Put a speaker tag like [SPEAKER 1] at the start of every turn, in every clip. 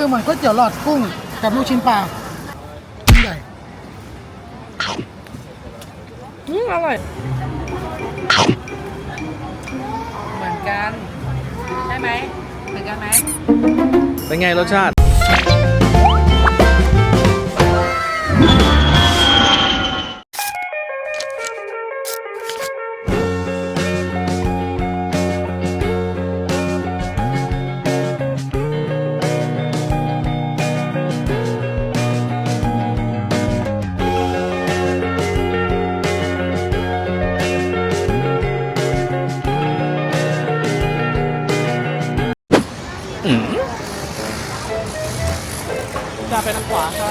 [SPEAKER 1] คือเหมือนก๋วยเตี๋ยวหลอดกุ้งกับลูกชิ้นปลาชิ้นใหญ่
[SPEAKER 2] อร่อยเหมือนกันใช่ไหมเหมือนกันไหม
[SPEAKER 3] เป็นไงรสชาติจะไปทางขวาค่ะ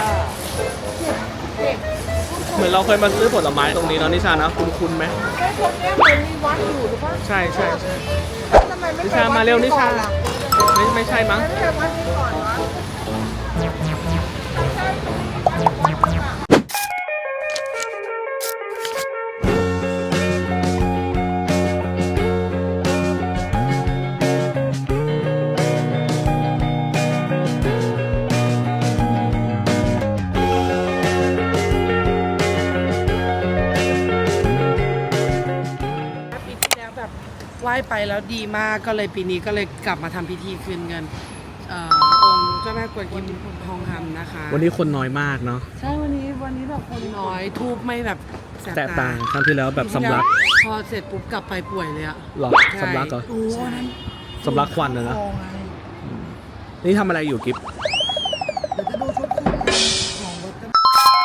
[SPEAKER 3] เหมือนเราเคยมาซื้อผลไม้ตรงนี้เนาะนิชานะคุ้นไหม
[SPEAKER 2] ใช่ตรงนี้เหมือนมีวัดอยู่หรือเปล่า
[SPEAKER 3] ใช่
[SPEAKER 2] ทำไมไม่
[SPEAKER 3] นิชามาเร็วนิชาไม่ใช่มั้ง
[SPEAKER 2] ไม่ไปวัดนี้ก่อนวะไหว้ไปแล้วดีมากก็เลยปีนี้ก็เลยกลับมาทำพิธีคืนเงินองค์เจ้าแม่กวนอิมทองคำนะคะ
[SPEAKER 3] วันนี้คนน้อยมากเนาะ
[SPEAKER 2] ใช่วันนี้แบบคนน้อยทูบไม่แบบ
[SPEAKER 3] แตกต่างครั้งที่แล้วแบบสำลัก
[SPEAKER 2] พอเสร็จปุ๊บกลับไปป่วยเลยอะ
[SPEAKER 3] หรอสำลักเหรอสำลักควันเลยนะนี่ทำอะไรอยู่กิ๊บ
[SPEAKER 1] เดี๋ยวจะดูชุดคู่ของรถกัน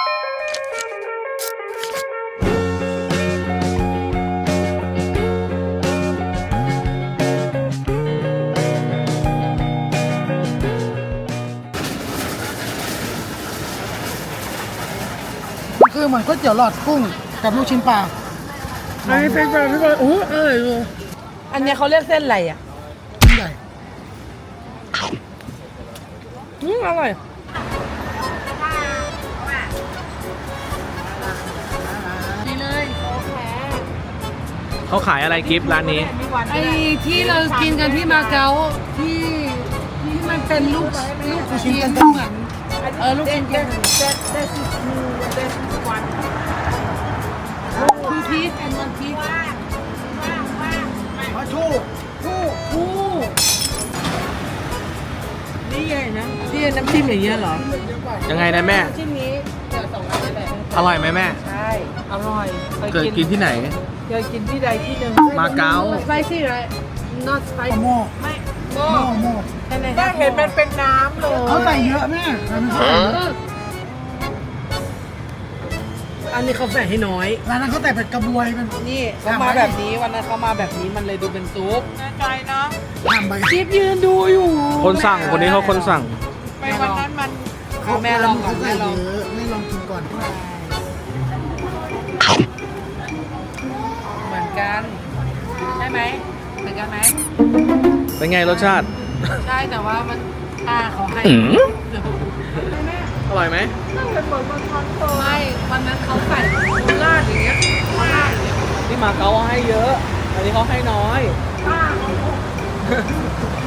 [SPEAKER 1] คือเหมือนก๋วยเตี๋ยวหลอดกุ้งกับลูกชิ้นปลา
[SPEAKER 2] อันนี้เป็นแบบที่ว่าโอ้เอออันนี้เขาเรียกเส้นอะไรอ่ะ
[SPEAKER 1] ชิ้นใหญ่
[SPEAKER 2] อร่อยดีเลย
[SPEAKER 3] เขาขายอะไรกิ๊บร้านนี้
[SPEAKER 2] ไอ้ที่เรากินกันที่มาเก๊าที่มันเป็นลูกชิ้นกันเหมือนลูกชิ้นกัน2 piece and 1 piece
[SPEAKER 1] มาชู
[SPEAKER 2] นี่ไงนะที่น้ำจิ้มอย่างเงี้ยเหรอ
[SPEAKER 3] ยังไงนะแม่
[SPEAKER 2] ชิ้นนี้เดี๋ยว2 อันเลย
[SPEAKER 3] อร่อยไหมแม่
[SPEAKER 2] ใช่อร่อย
[SPEAKER 3] เคยกินที่ไหน
[SPEAKER 2] เคยกินที่ใดที่หนึ่ง
[SPEAKER 3] มาเก๊า
[SPEAKER 2] spicy right not spicy
[SPEAKER 1] โม่
[SPEAKER 2] ไม่
[SPEAKER 1] โม่
[SPEAKER 2] ได้เห็นมันเป็นน้ำเลย
[SPEAKER 1] เขาใส่เยอะแม่
[SPEAKER 2] อันนี้เขาใส่ให้น้อย
[SPEAKER 1] ร้านนั้นเขาใส่เป็นกระบวยเป็น
[SPEAKER 2] นี่เขามาแบบนี้วันนั้นเขามาแบบนี้มันเลยดูเป็นซุปแน่ใจเนาะ
[SPEAKER 1] จิ๊
[SPEAKER 2] บยืนดูอยู่
[SPEAKER 3] คนสั่งคนนี้เขาคนสั่ง
[SPEAKER 2] ไปวันนั้นมันแม่ลองก่อน
[SPEAKER 1] แม่ลองกินก่อน
[SPEAKER 2] เหมือนกันใช่ไหมเหมือนกันไหม
[SPEAKER 3] เป็นไงรสชาติ
[SPEAKER 2] ใช่แต่ว่ามันเขาให้
[SPEAKER 3] อร่อยไหม
[SPEAKER 2] ไม่วันนั้นเขาใส่ราดอย่างเงี้ยราดอย่างเงี้ย
[SPEAKER 3] ที่มาเก๊าให้เยอะอันนี้เขาให้น้อย